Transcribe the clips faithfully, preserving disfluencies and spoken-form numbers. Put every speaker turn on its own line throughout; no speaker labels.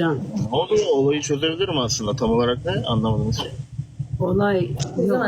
Can.
Ne oluyor? Olayı çözebilirim aslında. Tam olarak ne? Anlamadınız.
Olay yok.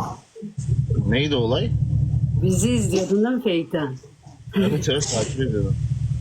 Neydi olay?
Bizi izliyordun değil mi Fake'ten?
Evet evet takip ediyorum.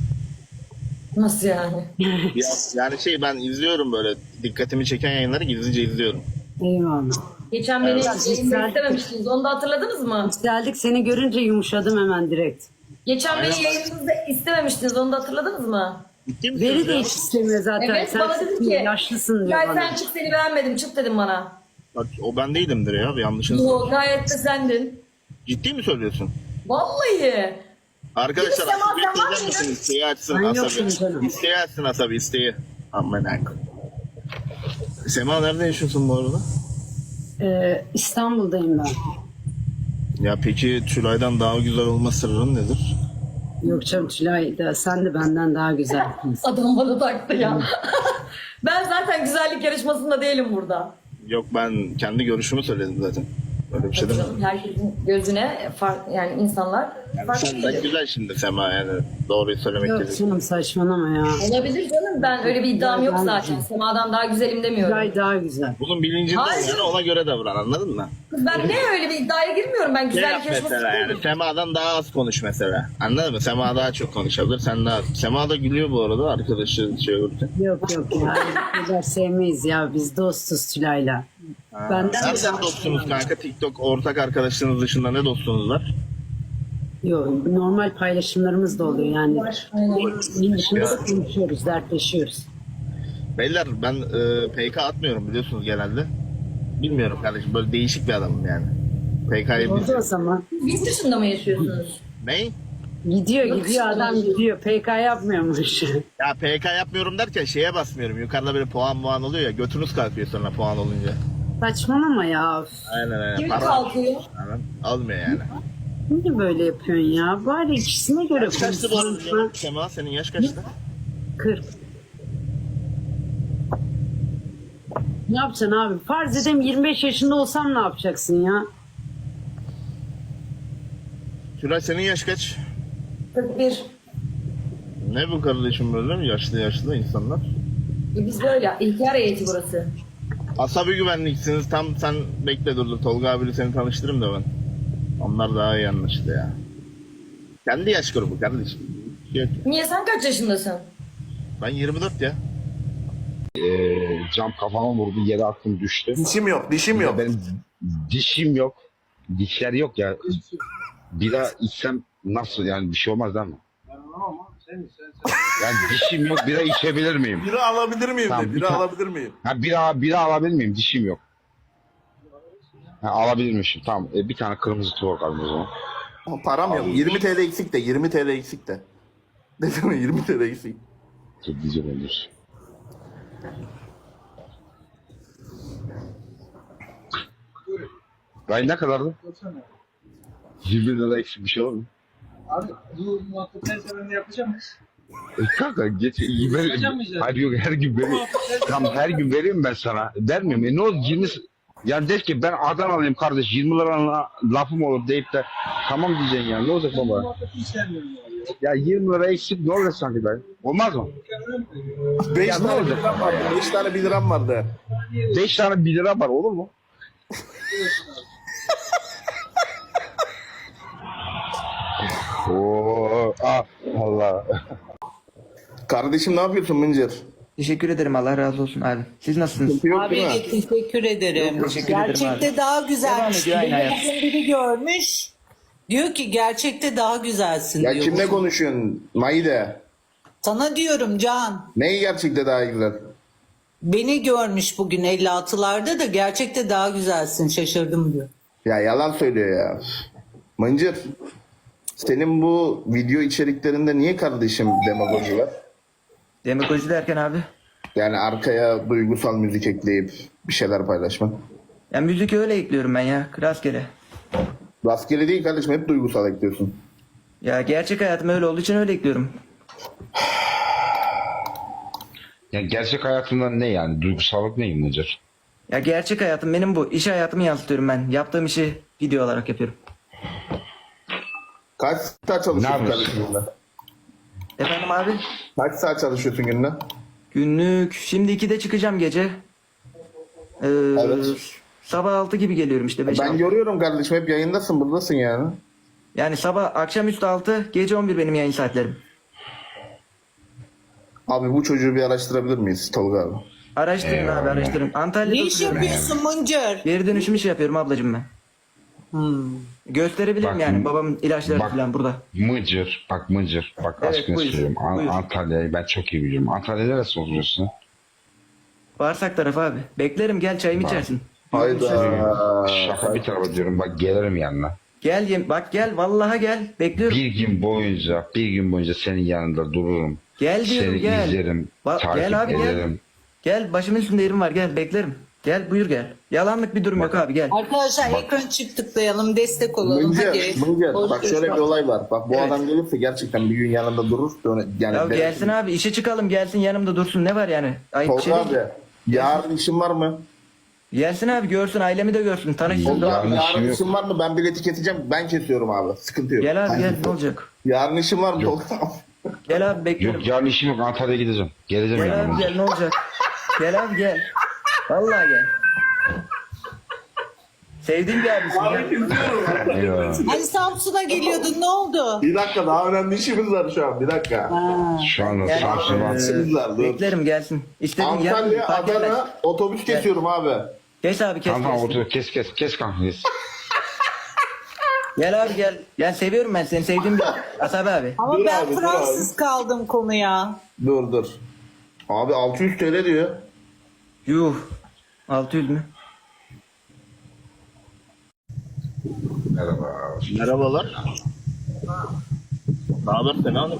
Nasıl yani?
Ya, yani şey ben izliyorum böyle dikkatimi çeken yayınları gizlice izliyorum.
Eyvallah.
Geçen beni
Evet.
yayında istememiştiniz. Onu da hatırladınız mı?
Geldik seni görünce yumuşadım hemen direkt.
Geçen
Aynen.
beni yayınınızda istememiştiniz. Onu da hatırladınız mı?
Ciddi misiniz
Veri de
ya?
hiç istemiyor zaten.
Evet,
sen
bana dedi ki,
yaşlısın diyor
Gel
bana.
sen çık, seni beğenmedim, çık dedim bana.
Bak o ben değilimdir ya. Bir yanlışınız.
Yo, gayet de sendin.
Ciddi mi söylüyorsun?
Vallahi.
Arkadaşlar
Sema,
Asabi
sen var
izler misin?
mıydın?
İsteği açsın
Ben yoktum
Asabi.
canım.
İsteği açsın Asabi isteği. Aman akım. Sema nerede yaşıyorsun bu arada?
Ee, İstanbul'dayım ben.
Ya peki Tülay'dan daha güzel olma sırrın nedir?
Yok canım Tülay da sen de benden daha güzelsin.
Adam bana taktı ya. Ben zaten güzellik yarışmasında değilim burada.
Yok ben kendi görüşümü söyledim zaten. Öyle bir şey değil mi?
Canım, herkesin gözüne fark, yani insanlar farklı
Sen de
gelir.
güzel şimdi Sema yani doğruyu söylemek
Yok
gerekirse.
canım saçmalama ya.
Olabilir canım, ben öyle bir iddiam yok zaten. Sema'dan daha güzelim demiyorum.
Tülay daha güzel.
Bunun bilincinde
Hayır.
yani ona göre davran anladın mı?
Ben ne öyle bir iddiaya girmiyorum, ben
Ne yap
güzellik yarışması
mesela yani
değilim.
Sema'dan daha az konuş mesela. Anladın mı? Sema daha çok konuşabilir sen daha az. Sema da gülüyor bu arada arkadaşı şey olurken.
Yok yok ya. Bu kadar sevmeyiz ya. Biz dostuz Tülay'la. Benden de
Nereden dostsunuz kanka? TikTok ortak arkadaşlarınız dışında ne dostunuz var?
Yok normal paylaşımlarımız da oluyor yani.
Aynen.
Bunun dışında da konuşuyoruz, dertleşiyoruz.
Beyler ben e, P K atmıyorum biliyorsunuz genelde. Bilmiyorum kardeşim böyle değişik bir adamım yani. P K'yı
Oldu o
biz...
zaman.
Yurt dışında mı yaşıyorsunuz?
Ne?
Gidiyor
Yok,
gidiyor adam
işte.
gidiyor. P K yapmıyormuş.
Ya P K yapmıyorum derken şeye basmıyorum. Yukarıda böyle puan puan oluyor ya. Götünüz kalkıyor sonra puan olunca.
Saçmalama ya.
Aynen aynen.
Kim
Para
kalkıyor?
Aynen. Almıyor yani.
Niye böyle yapıyorsun ya? Bari ikisine göre
Yaş kaçtı bu arada
konuşma.
ya? Sema senin yaş kaçtı?
kırk. Ne yapacaksın abi? Farz edeyim yirmi beş yaşında olsam ne yapacaksın ya?
Tülay senin yaş kaç?
kırk bir.
Ne bu kardeşim böyle mi? Yaşlı yaşlı insanlar.
E biz böyle. İlker heyeti burası.
Asabi güvenliksiniz. Tam sen bekle dur dur. Tolga abiyle seni tanıştırayım da ben. Onlar daha iyi anlaştı ya. Kendi yaş grubu kardeşim. Yok.
Niye, sen kaç yaşındasın?
Ben yirmi dört ya.
Ee, cam kafama vurdu, yere attım düştü.
Dişim yok, dişim yok.
Benim dişim yok. Dişler yok ya. Bira içsem nasıl yani bir şey olmaz değil mi? Yani dişim yok, bira içebilir miyim?
Biri alabilir miyim
Tamam,
de,
bir
biri
tane-
alabilir miyim?
Ha bira, bira alabilir miyim? Dişim yok. Ha, alabilirmişim. Tamam. E, bir tane kırmızı tuğla kaldı o zaman.
Ama param yok. yirmi TL eksik de, yirmi TL eksik de. Dedim mi yirmi TL eksik.
Çok güzel olur. Gay ne kadardı? yirmi lira eksik bir şey olur mu?
Abi bu muhabbetten sonra ne yapacağım?
E kanka geç iyi ver. Hayır yok her gün veriyorum. Tamam her gün veriyorum ben sana. Vermiyorum. E ne oldu yirmi yani der ki ben Adanalıyım kardeş yirmi lira lafım olur deyip de tamam diyeceksin ya ne olacak baba?
Muhabbeti hiç sevmiyorum yani.
Ya yirmi lira eksik ne olacak sanki ben? Olmaz mı?
beş
Ya ne
tane bir
olacak?
liram vardı, beş tane bir liram vardı.
beş tane bir lira var olur mu? Oo, ah, Allah.
Kardeşim ne yapıyorsun Mıncır?
Teşekkür ederim. Allah razı olsun abi. Siz nasılsınız?
Sıkıntı yok
Abi
değil mi?
de teşekkür ederim.
teşekkür ederim
gerçekte
abi.
daha
Devam
güzelmiş.
ediyor, aynı
Beni
hayat.
bugün biri görmüş. Diyor ki gerçekte daha güzelsin
Ya
diyor.
kimle konuşuyorsun? Maide.
Sana diyorum Can.
Neyi gerçekte daha güzel?
Beni görmüş bugün elli altılarda da gerçekte daha güzelsin şaşırdım diyor.
Ya yalan söylüyor ya. Mıncır. Senin bu video içeriklerinde niye kardeşim demagoji var?
Demagoji derken abi.
Yani arkaya duygusal müzik ekleyip bir şeyler paylaşma.
Ya müzik öyle ekliyorum ben ya. Rastgele.
Rastgele değil kardeşim, hep duygusal ekliyorsun.
Ya gerçek hayatım öyle olduğu için öyle ekliyorum.
Yani gerçek hayatından ne yani? Duygusallık ne imlecer?
Ya gerçek hayatım benim bu. İş hayatımı yansıtıyorum ben. Yaptığım işi video olarak yapıyorum.
Kaç saat çalışıyorsun
Ne yapıyorsun?
kardeşim günde?
Efendim abi?
Kaç saat çalışıyorsun günde?
Günlük şimdi ikide çıkacağım gece. Ee,
Evet.
Sabah altı gibi geliyorum işte. beş
Ben
altı.
görüyorum kardeşim, hep yayındasın, buradasın yani.
Yani sabah akşamüstü altı, gece on bir benim yayın saatlerim.
Abi bu çocuğu bir araştırabilir miyiz Tolga abi?
Araştırın
Eyvallah.
abi araştırın. Antalya'da
Ne iş
oturuyorum.
yapıyorsun Mıncır?
Geri dönüşüm işi yapıyorum ablacığım ben.
Hmm.
Gösterebilirim
Bak,
yani babamın ilaçları
bak.
falan burada.
Mıcır, bak Mıcır, bak
Evet,
aşkını
buyur,
söylüyorum. An-
buyur.
Antalya'yı ben çok iyi biliyorum. Antalya'da neresi oturuyorsun?
Bağırsak tarafı abi. Beklerim gel çayımı
Bak.
içersin.
Hayda.
Şaka bir tarafa diyorum, bak gelirim yanına.
Gel yem- bak gel vallahi gel. Bekliyorum.
Bir gün boyunca, bir gün boyunca senin yanında dururum.
Gel diyorum
Seni
gel.
izlerim,
Ba-
takip
gel abi
ederim.
gel. Gel başımın üstünde yerim var gel beklerim. Gel buyur gel. Yalanlık bir durum yok abi gel.
Arkadaşlar ekran çift tıklayalım, destek olalım.
Mıncır,
Hadi.
Mıncır.
Boş
Bak
boş
şöyle
bak.
bir olay var. Bak bu
Evet.
adam gelirse gerçekten bir gün yanında durur. Döne- Yani
Ya
ben-
gelsin abi işe çıkalım gelsin yanımda dursun ne var yani? Ayıp bir şey
Tolga
değil.
abi, yarın işin var mı?
Gelsin abi görsün ailemi de görsün tanışsın.
Tolga
da-
abi,
Yarın
yarın
işim yok.
işin var mı? Ben bileti keseceğim. Ben kesiyorum abi. Sıkıntı yok.
Gel abi
Ben
gel ne
kesiyorum.
olacak?
Yarın işin var mı Tolga abi?
Gel abi bekliyorum.
Yok yarın işim yok, Antalya'ya gideceğim. Geleceğim
Gel
yanına.
abi gel ne olacak? Gel abi gel. Vallahi gel. Sevdiğim bir abisin gel.
Eyvallah.
Hani Samsun'a geliyordun, ne oldu?
Bir dakika, daha önemli işimiz var şu an. Bir dakika.
Ha.
Şu anda
Gel.
Samsun'a.
İşimiz var. Dur.
Beklerim gelsin. İstediğin
Antalya,
yer fark etmez.
Adana otobüs kesiyorum abi.
Geç abi kes
Tamam
kes.
otur, kes kes kes kanka kes.
Gel abi gel. Gel seviyorum ben seni sevdiğim bir Asabi abi.
Ama
Dur
ben
abi, dur
Fransız kaldım konuya.
Dur dur. Abi altı yüz T L diyor.
Yuh. altı yüz mü?
Merhaba.
Merhabalar. Ne haber Sena Hanım?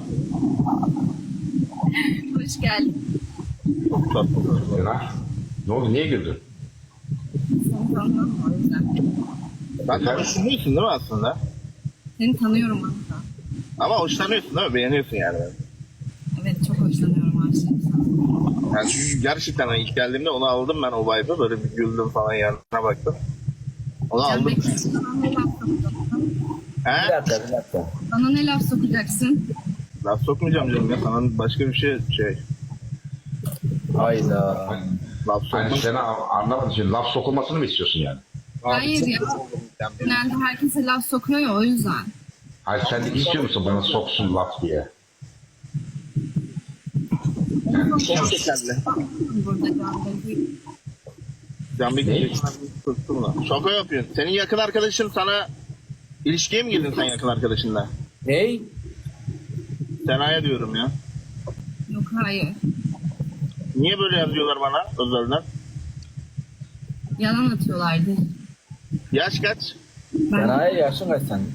Hoş geldin.
Çok tatlısınız.
Sena. Ne oldu, niye güldün?
Seni tanıyorum o yüzden.
Sen de düşünüyorsun değil mi aslında?
Seni tanıyorum hatta.
Ama hoşlanıyorsun değil mi? Beğeniyorsun yani.
Evet çok hoşlanıyorum aşığım sana.
Yani çünkü gerçekten hani ilk geldiğimde onu aldım ben o vibe'ı. Böyle bir güldüm falan yanına baktım. Onu
Can
aldım.
Bekir, bana ne laf sokacaksın?
He?
Bana ne laf sokacaksın?
Laf sokmayacağım canım ya. Sana başka bir şey şey.
Hayda.
Laf
Hani
sokmak.
Sena anlamadım, şimdi laf sokulmasını mı istiyorsun yani?
Hayır ya. Genelde herkese laf sokuyor ya o yüzden.
Hayır sen de istiyor musun bana soksun laf diye?
Gerçekten
Burada Can Bekir.
Can Bekir sıktı bunu. Şaka yapıyorsun. Senin yakın arkadaşın sana ilişkiye mi girdin sen yakın arkadaşınla?
Ney?
Sena'ya diyorum ya.
Yok hayır.
Niye böyle yazıyorlar bana özelden?
Yalan atıyorlardı.
Yaş kaç?
Ben
Sena'ya yaşın kaç sen?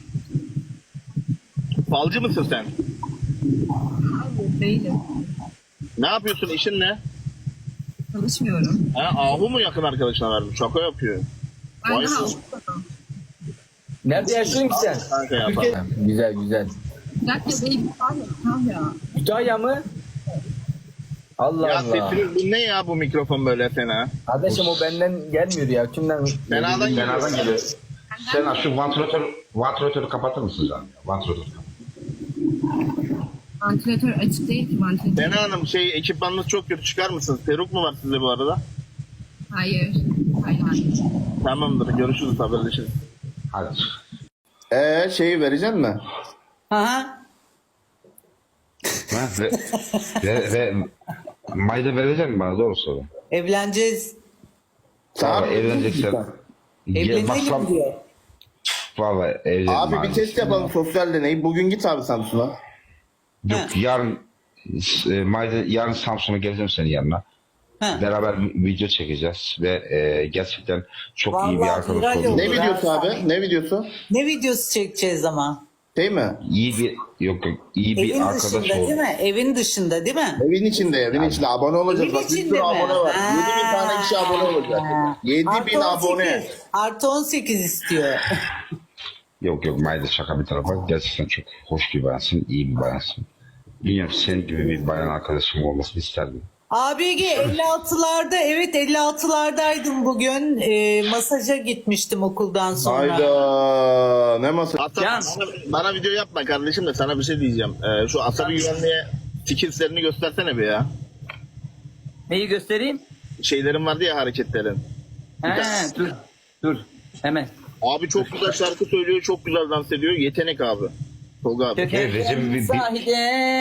Falcı mısın sen?
hayır değilim.
Ne yapıyorsun? İşin ne?
Çalışmıyorum.
Ha, Ahu mu yakın arkadaşına vermiş? Şaka yapıyor.
Ben
Vay
daha
be.
okumadım.
Nerede yaşıyorsun ki sen?
Kanka ya.
Türkiye... Güzel güzel.
Bir dakika değil. Hayır. Tamam ya.
Kütahya mı? Allah
Ya
Allah.
sesiniz bu ne ya bu mikrofon böyle Sena?
Kardeşim o benden gelmiyor ya. Kimden?
Sena'dan geliyor.
Sena'dan geliyor. Sena şu vantilatör, vantilatörü kapatır mısın canım? ya? Vantilatörü kapat.
Vantilatör açık değil ki vantilatör.
Sena Hanım şey ekipmanınız çok kötü çıkar mısınız? Peruk mu var sizde bu arada?
Hayır. Hayır.
Tamamdır görüşürüz haberleşiriz.
Hadi.
Ee şeyi vereceksin mi?
Aha.
Ha, ve, ve, ve Mayda verecek misin bana, doğru söyle.
Evleneceğiz.
Valla
Abi,
evleneceksen. Gel,
Evlenelim
baksam,
diyor.
valla evlenelim.
Abi bir test yapalım, sosyal deney. Bugün git abi Samsun'a.
Yok yarın e, Mayda yarın Samsun'a geleceğim senin yanına.
Ha.
Beraber bir video çekeceğiz ve e, gerçekten çok iyi bir
Vallahi
arkadaş
güzel
olduk.
oldu.
Ne videosu abi? Ne videosu?
Ne videosu çekeceğiz ama?
Şey mi?
İyi bir yok yok iyi bir
Evin
arkadaş
dışında değil
olduk.
mi? Evin dışında değil mi?
Evin içinde, evin içinde abone olacağız.
Evin
Bak bir
içinde
sürü
mi?
abone var.
Ha.
yedi bin tane kişi abone olacak. yedi bin
Artı
abone.
on sekiz. Artı on sekiz istiyor.
Yok yok Mayda şaka bir tarafa. Gerçekten çok hoş bir bayansın, iyi bir bayansın. Bilmiyorum senin gibi bir bayan arkadaşım olmasını isterdim.
A B G elli altılarda, evet elli altılardaydım bugün. Ee, masaja gitmiştim okuldan sonra.
Hayda. Ne masa?
Hatta bana, bana video yapma kardeşim de sana bir şey diyeceğim. Ee, şu asabi güvenliğe skillslerini göstersene bir ya.
Neyi göstereyim?
Şeylerin vardı ya, hareketlerin.
He dur. Dur. Hemen.
Abi çok güzel şarkı söylüyor, çok güzel dans ediyor. Yetenek abi. Tolga abi.
Döken
Recep bir- bir-
sahide.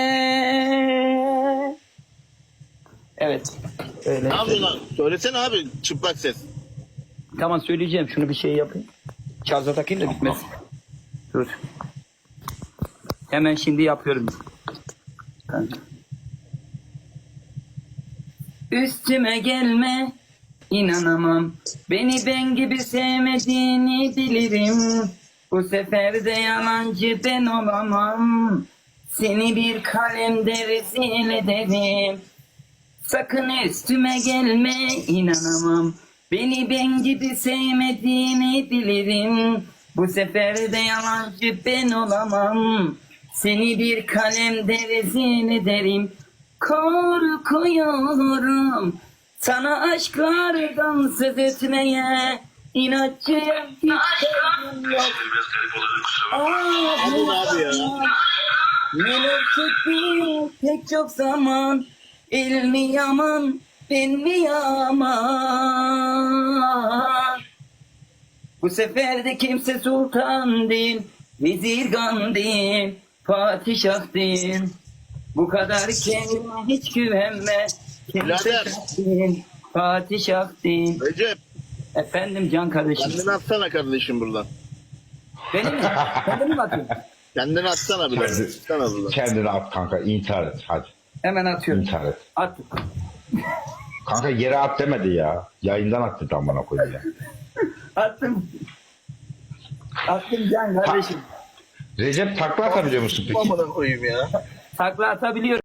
Evet. Öyle.
Ne yapıyorsun lan? Söylesene abi, çıplak ses.
Tamam söyleyeceğim. Şunu bir şey yapayım. Şarja takayım da bitmez. Dur. Hemen şimdi yapıyorum. Üstüme gelme, inanamam. Beni ben gibi sevmediğini bilirim. Bu sefer de yalancı ben olamam. Seni bir kalemde rezil ederim. Sakın üstüme gelme, inanamam. Beni ben gibi sevmediğini bilirim. Bu sefer de yalancı ben olamam. Seni bir kalemde rezil ederim. Korkuyorum sana aşklardan söz etmeye. İnatçıyım, hiç sevgim yok.
Abi ne abi ya?
Neler çekti pek çok zaman. El mi yaman, ben mi yaman? Bu sefer de kimse sultan değil, vezirgan değil, padişah değil. Bu kadar kendine hiç güvenme. Kimse
Birader.
değil, padişah değil.
Recep,
Efendim can kardeşim.
kendini atsana kardeşim buradan.
Benim mi? Kendimi mi atayım?
Kendini atsana biraz.
Kendi-
Atsana buradan.
Kendini at kanka, intihar et hadi.
Hemen atıyorum.
İntihar et.
At.
Kanka yere at demedi ya. Yayından attı tam bana koyayım ya.
Attım. Attım can kardeşim.
Recep takla atabiliyor musun peki?
Amına koyayım ya.
Takla atabiliyorum.